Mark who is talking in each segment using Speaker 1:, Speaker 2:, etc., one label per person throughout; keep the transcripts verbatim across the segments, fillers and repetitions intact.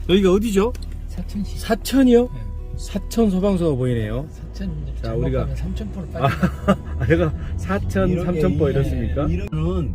Speaker 1: 여기가 어디죠?
Speaker 2: 사천시.
Speaker 1: 사천이요?
Speaker 2: 네.
Speaker 1: 사천 소방서가 보이네요.
Speaker 2: 사천 이제
Speaker 1: 자,
Speaker 2: 잘못
Speaker 1: 우리가-
Speaker 2: 가면 삼천포로
Speaker 1: 아,
Speaker 2: 빠진다.
Speaker 1: 내가 사천, 삼천포 이렇습니까?
Speaker 3: 이런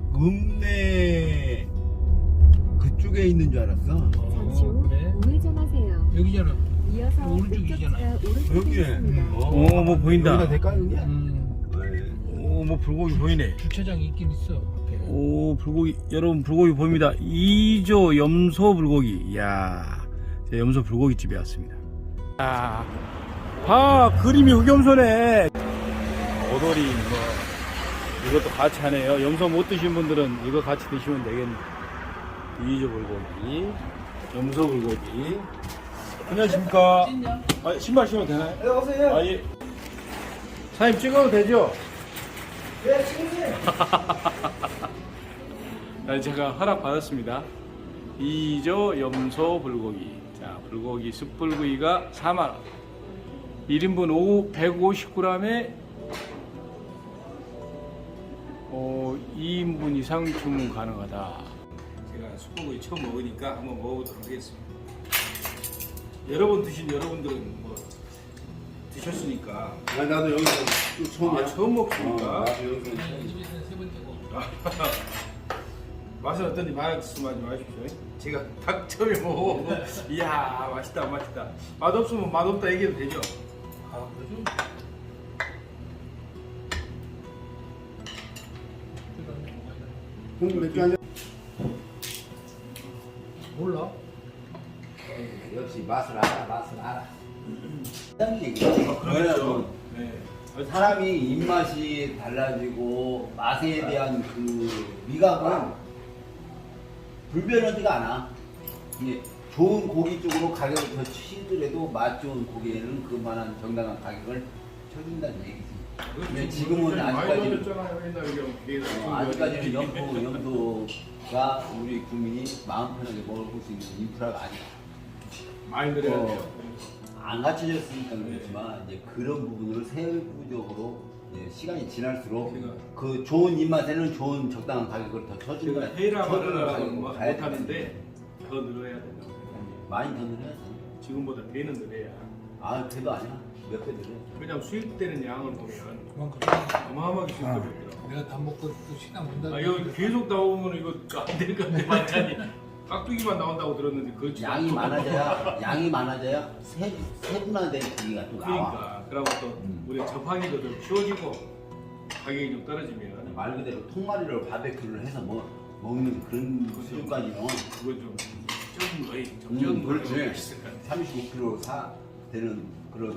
Speaker 3: 읍내 그쪽에 있는 줄 알았어.
Speaker 4: 잠시 후
Speaker 2: 그래?
Speaker 4: 우회전하세요.
Speaker 2: 여기잖아.
Speaker 4: 이어서
Speaker 2: 오른쪽이잖아.
Speaker 4: 목적지가 오른쪽에
Speaker 3: 여기네.
Speaker 4: 있습니다.
Speaker 3: 어.
Speaker 1: 오, 뭐 보인다.
Speaker 3: 여기가 대가 여기야?
Speaker 2: 음,
Speaker 1: 오, 뭐 불고기 보이네.
Speaker 2: 주차장이 있긴 있어. 앞에.
Speaker 1: 오, 불고기, 여러분 불고기 보입니다. 이조 염소 불고기. 이야, 제가 염소 불고기 집에 왔습니다. 아, 봐, 그림이 흑염소네. 오돌이, 뭐, 이것도 같이 하네요. 염소 못 드신 분들은 이거 같이 드시면 되겠네. 이조 불고기, 염소 불고기. 안녕하십니까. 아, 신발 신어도 되나요? 네, 오세요. 아, 예. 사장님 찍어도 되죠? 네, 찍으세요. 아, 제가 허락 받았습니다. 이조 염소 불고기. 자, 불고기 숯불구이가 사만 원. 일 인분 백오십 그램에 어, 이 인분 이상 주문 가능하다. 제가 숯불구이 처음 먹으니까 한번 먹어보도록 하겠습니다. 여러 번 드신 여러분들은 뭐 드셨으니까.
Speaker 3: 아, 나도 여기서 또 처음이야.
Speaker 1: 아, 처음 먹습니까?
Speaker 3: 어, 나도 여기서
Speaker 2: 네,
Speaker 3: 처음이야.
Speaker 2: 집에서는 세 번째고.
Speaker 1: 맛은 어떤지 말씀하지 마십시오. 제가 닭 처음에 먹어보고 이야 맛있다 맛있다. 맛없으면 맛없다 얘기해도 되죠?
Speaker 2: 아, 그러죠?
Speaker 3: 형 맥주 한 잔.
Speaker 2: 몰라?
Speaker 5: 역시 맛을 알아, 맛을 알아.
Speaker 1: 그렇죠. 네.
Speaker 5: 사람이 입맛이 달라지고 맛에 대한 그 미각은 불변하지가 않아. 이게 좋은 고기 쪽으로 가격을 더 치더라도 맛 좋은 고기에는 그만한 정당한 가격을 쳐준다는 얘기지. 근데 지금은 아직까지 어, 아직까지는 염소, 염소가 우리 국민이 마음 편하게 먹을 수 있는 인프라가 아니다.
Speaker 1: 많이 늘어야
Speaker 5: 어,
Speaker 1: 돼요.
Speaker 5: 안 갖춰졌으니까 그렇지만 이제 그런 부분을 세부적으로 이제 시간이 지날수록
Speaker 1: 제가-
Speaker 5: 그 좋은 입맛에는 좋은 적당한 가격을 더 쳐준다.
Speaker 1: 제가 헤이라
Speaker 5: 쳐주는
Speaker 1: 마라라고
Speaker 5: 가격으로
Speaker 1: 못
Speaker 5: 가야
Speaker 1: 하는데 더 늘어야 된다고.
Speaker 5: 많이 더 늘어야지.
Speaker 1: 지금보다 배는 늘어야.
Speaker 5: 아 그래도 아니야. 몇 배 늘어.
Speaker 1: 왜냐면 수입되는 양을 보면
Speaker 2: 그만큼.
Speaker 1: 어마어마하게 수입되더라고요.
Speaker 2: 내가 다 먹고 또 식당 문닫아.
Speaker 1: 아 여기 계속 나오면 이거 안 될 것 같아 반찬이. 깍두기만 나온다고 들었는데 그렇지.
Speaker 5: 양이
Speaker 1: 않죠.
Speaker 5: 많아져야 양이 많아져야 세 세분화된 고기가 또 나와.
Speaker 1: 그러니까 그러고 또
Speaker 5: 음.
Speaker 1: 우리가 접하기도 좀 쉬워지고 가격이 좀 떨어지면
Speaker 5: 말 그대로 통마리로 바베큐를 해서 뭐 먹는 그런 수준까지는
Speaker 1: 그거 좀 적은 거에 좀
Speaker 5: 음,
Speaker 1: 적은 거에
Speaker 5: 그렇지.
Speaker 1: 있을 것 같아.
Speaker 5: 삼십오 킬로그램 사 되는 그런.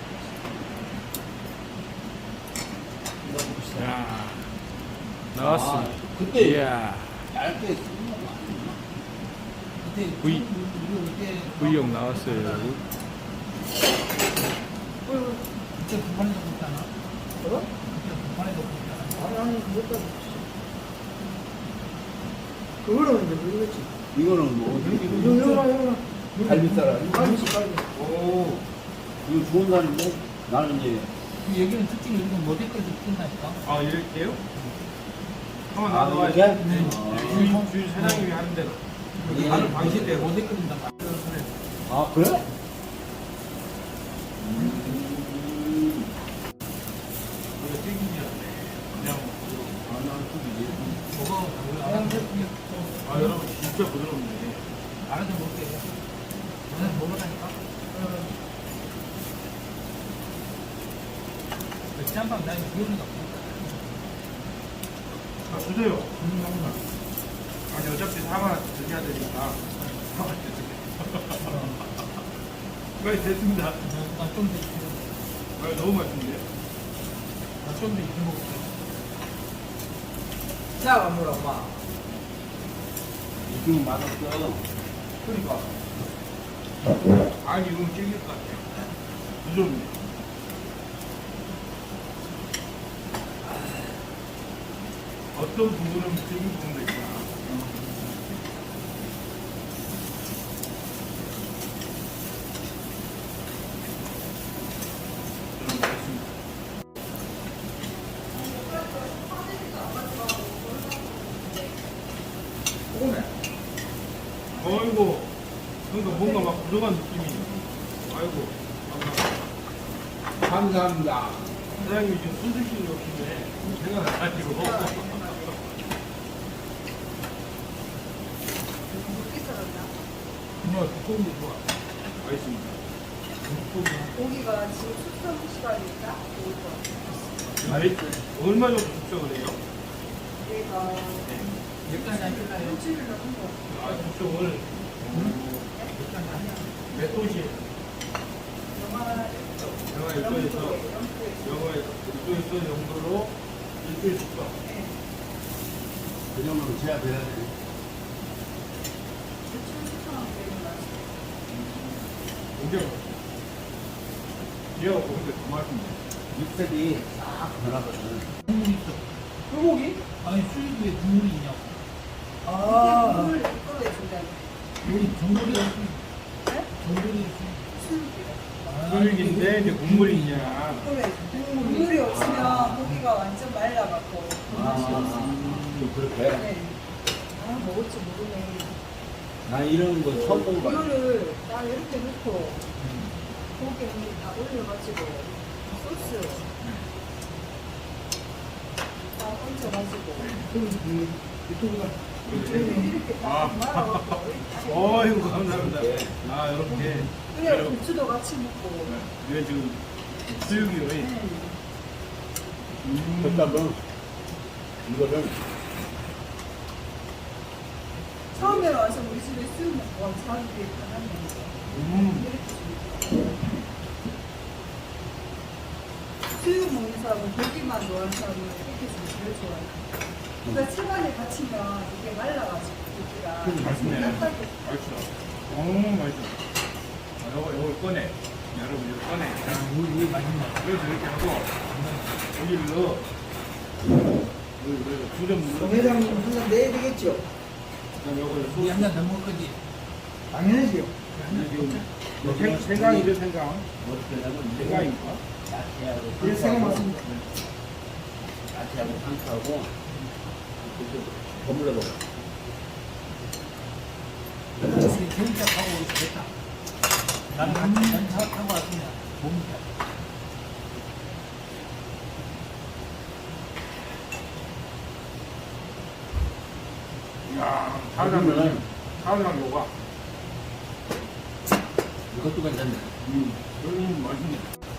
Speaker 1: 자 나왔습니다.
Speaker 5: 아, 그때
Speaker 1: 이야
Speaker 5: 얇게 쓰는 거 아니야?
Speaker 2: 그때
Speaker 1: 구이.
Speaker 2: 우리 그때
Speaker 1: 구이역 나왔어요.
Speaker 2: 그때 부판에서 먹잖아. 어? 그때 부판에서 먹잖아.
Speaker 6: 아니 아니 그것도 그거는 이제 모르겠지.
Speaker 5: 이거는 뭐
Speaker 6: 이거 이거 이거
Speaker 5: 갈비살아.
Speaker 6: 갈비지 갈비.
Speaker 1: 오
Speaker 5: 이거 좋은 날인데 나는 이제
Speaker 2: 그 여기는 특징이 여기가 모델까지 붙는다니까.
Speaker 1: 아 이렇게요? 한번
Speaker 5: 아,
Speaker 1: 나와야지.
Speaker 5: 이렇게?
Speaker 1: 네.
Speaker 5: 어.
Speaker 1: 주인 주인 사장님이 하는 대로.
Speaker 5: 예.
Speaker 1: 다른 방식대로.
Speaker 2: 모델 끓인단 말이야. 그래.
Speaker 5: 아 그래?
Speaker 1: 이거 튀김이었네. 그냥
Speaker 2: 저거 알아서
Speaker 1: 아 여러분 진짜 부드럽네.
Speaker 2: 알아서 먹게. 너는 먹으라니까. 그 짬밥 나이 비우는 거 없으니까.
Speaker 1: 아 주세요. 아니 어차피 사만 원 드셔야 되니까. 사만 원 드세요. 빨리 됐습니다.
Speaker 2: 나좀더 익히고.
Speaker 1: 아 너무 맛있는데.
Speaker 2: 나좀더 익히 먹을게.
Speaker 6: 자, 물어 봐.
Speaker 5: 이거 맛없어.
Speaker 1: 그러니까. 아니 이건 찔길 것 같아요. 부드럽네. 어떤 부분은 찔긴 부분도 있구나. 저는 맛있습니다.
Speaker 6: 오네.
Speaker 1: 어이구 그러니까 뭔가 막 부족한 느낌이. 아이고.
Speaker 3: 감사합니다.
Speaker 1: 사장님이 지금 손 드시는 거 같은데 생각 안 가지고.
Speaker 2: 정말 두꺼운 게 좋아.
Speaker 1: 알겠습니다.
Speaker 4: 고기가 지금 숙성 시간이니까 좋을 것 같아요.
Speaker 1: 알겠 얼마 정도 숙성을 해요?
Speaker 4: 얘가
Speaker 2: 몇간이 안 끝나요?
Speaker 4: 일주일 넘은 거.
Speaker 1: 아, 숙성을 몇 도시에?
Speaker 4: 영화
Speaker 1: 영하 일 도에서 영하 일 도에서 영도로 일주일 숙성.
Speaker 3: 그 정도로 제압해야 돼.
Speaker 4: 일주일 숙성하면 되는 맛이에요.
Speaker 1: 굉장히 맛있어요. 이하고 근데 더 맛있네.
Speaker 3: 육색이 싹 변하거든.
Speaker 2: 국물이 있어.
Speaker 6: 소고기?
Speaker 2: 아니 수육에 국물이 있냐고.
Speaker 6: 아,
Speaker 4: 국물 이거에 준다는
Speaker 2: 우리 전골이가 있어.
Speaker 4: 네?
Speaker 2: 전골이 있어.
Speaker 4: 수육이요.
Speaker 1: 수육인데 이제 국물이 있냐.
Speaker 4: 이거에 국물이 없으면 고기가 완전 말라갖고 맛이 없어요.
Speaker 3: 아, 그렇게?
Speaker 4: 네. 아 먹을지 모르네.
Speaker 3: 난 이런 거 처음 먹어봐.
Speaker 4: 이거를 딱 이렇게 넣고 고기에 다 올려가지고 소스 딱 얹어가지고
Speaker 6: 유튜브가
Speaker 4: 이렇게
Speaker 1: 아.
Speaker 4: 딱 말아갖고
Speaker 1: 어이구, 감사합니다. 아, 이렇게.
Speaker 4: 그래 고추도 같이 먹고
Speaker 1: 이게 지금 수육이요.
Speaker 4: 네.
Speaker 1: 음.
Speaker 3: 그다음에 이거를
Speaker 4: 처음에 와서 우리 집에 수육 먹고 사람들이 편하네.
Speaker 1: 음.
Speaker 4: 이렇게 줍니다. 수육 먹는 사람은 고기만 좋아하는 사람은 이렇게 주면 제일 좋아요. 그러니까 체반에 갇히면 이게 말라가지고 고기가
Speaker 1: 음, 맛있네.
Speaker 4: 딱딱해.
Speaker 1: 맛있어. 어, 맛있어. 아, 요거, 요걸 꺼내. 여러분, 이거 꺼내.
Speaker 2: 우리 맛있네.
Speaker 1: 그래서 이렇게 하고, 여기를 넣어. 여기, 여기, 두점
Speaker 6: 송
Speaker 1: 눌러.
Speaker 6: 회장님 한잔 내야 되겠죠?
Speaker 1: 그다음 요거를
Speaker 2: 우리
Speaker 1: 소스.
Speaker 2: 한잔 더 먹을 거지.
Speaker 6: 당연하지요.
Speaker 1: 지금, 생, 생강이죠, 생강.
Speaker 3: 어떻게 하냐면
Speaker 1: 생강인가?
Speaker 3: 야채하고
Speaker 6: 예, 생각
Speaker 3: 상추하고
Speaker 6: 맞습니다.
Speaker 3: 야채하고 상추하고 버물러 먹어.
Speaker 2: 경차 타고 됐다. 나는 같이 전차 타고 왔으면 못 먹자.
Speaker 1: 이야, 사장님. 사장 요가.
Speaker 3: 이것도 괜찮네.
Speaker 1: 음, 여기는 맛있네.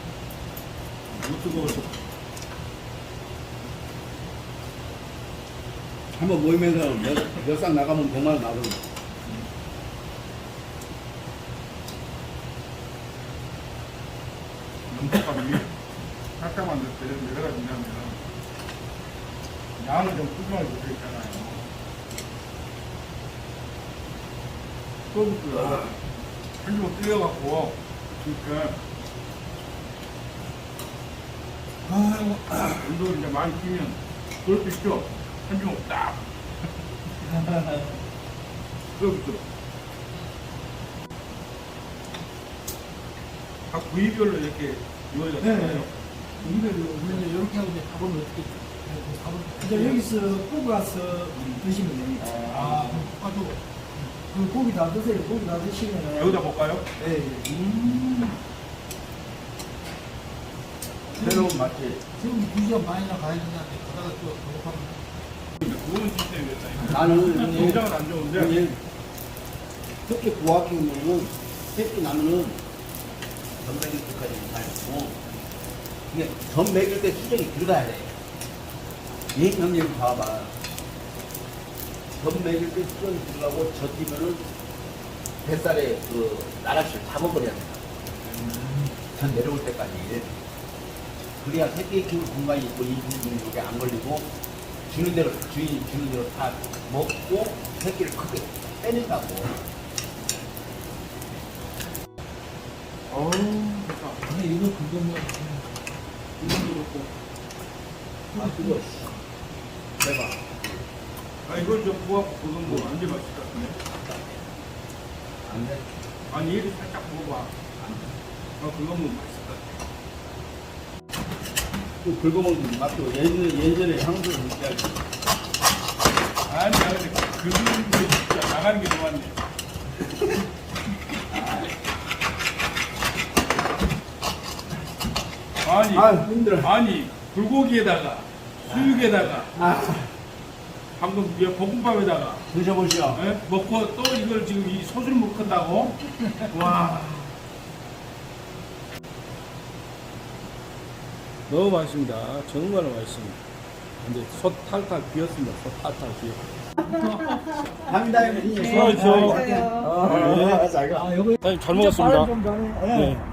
Speaker 1: 못 뜨거워서.
Speaker 3: 한번 모이면서 몇상 나가면 백만 원 나거든.
Speaker 1: 염소값이 살짝만 넣을 때 내려가진다면 양을 좀 푸짐하게 붙어 있잖아요. 소스가 한 주먹 끓여갖고 그러니까 아이고 운동을 이제 많이 뛰면 그럴 수 있죠. 한 주먹 딱 그렇죠. 각 부위별로 이렇게 요리가
Speaker 6: 네.
Speaker 1: 되나요?
Speaker 2: 우리가 우리는 이렇게 하고 이제 밥을 어떻게 밥을
Speaker 6: 이제 여기서 뽑아서 드시면 됩니다.
Speaker 2: 아 가지고
Speaker 6: 그 고기 다 드세요. 고기 다 드시면
Speaker 1: 여기다 볼까요?
Speaker 6: 네.
Speaker 1: 음.
Speaker 3: 새로운 맛집.
Speaker 2: 지금 두 시간 반이나 가야 되는데 가다가 또 배고파면
Speaker 1: 좋은 시스템이었다. 이거.
Speaker 3: 나는
Speaker 1: 굉장은 안 좋은데.
Speaker 3: 형님 특히 고학 키우면은 새끼 나면은 전 먹일 때까지 잘 먹고 이게 전 먹일 때 수정이 들어가야 돼. 이 형님 봐봐. 전 먹일 때 수정이 들어가고 저 뛰면은 뱃살에 그 나락실 잡아버려야 돼. 전 내려올 때까지. 그래야 새끼 키울 공간이 있고 이 부분이 여기 안 걸리고 주는 대로 주인이 주는 대로 다 먹고 새끼를 크게 빼낸다고.
Speaker 1: 어우, 좋다.
Speaker 2: 근데 이거 그거 뭐 이거 그렇고
Speaker 3: 아 그거 씨. 대박.
Speaker 1: 아, 이걸 좀 구워갖고 그건 뭐 완전 맛있을 것 같은데.
Speaker 3: 안 돼.
Speaker 1: 아니, 얘를 살짝 먹어봐. 아, 그건 뭐 맛있을 것 같아.
Speaker 3: 또 긁어먹는 맛도 예전에 예전에 향수를 느껴야지.
Speaker 1: 아니, 나 근데 긁는 게 진짜 나가는 게 좋았네. 아니,
Speaker 3: 아, 힘들어.
Speaker 1: 아니, 불고기에다가, 수육에다가, 방금 이 볶음밥에다가,
Speaker 3: 드셔보시오.
Speaker 1: 예? 먹고 또 이걸 지금 이 소스를 먹었다고? 와. 너무 맛있습니다. 정말 맛있습니다. 근데 솥 탈탈 비었습니다. 솥 탈탈 비었습니다.
Speaker 3: 감사합니다, 형님.
Speaker 1: 수고하십시오.
Speaker 4: 맞아요.
Speaker 3: 아, 잘 가.
Speaker 6: 아, 요거
Speaker 1: 사장님 잘
Speaker 6: 진짜
Speaker 1: 먹었습니다.
Speaker 6: 빠른 좀 가네. 예.
Speaker 1: 네.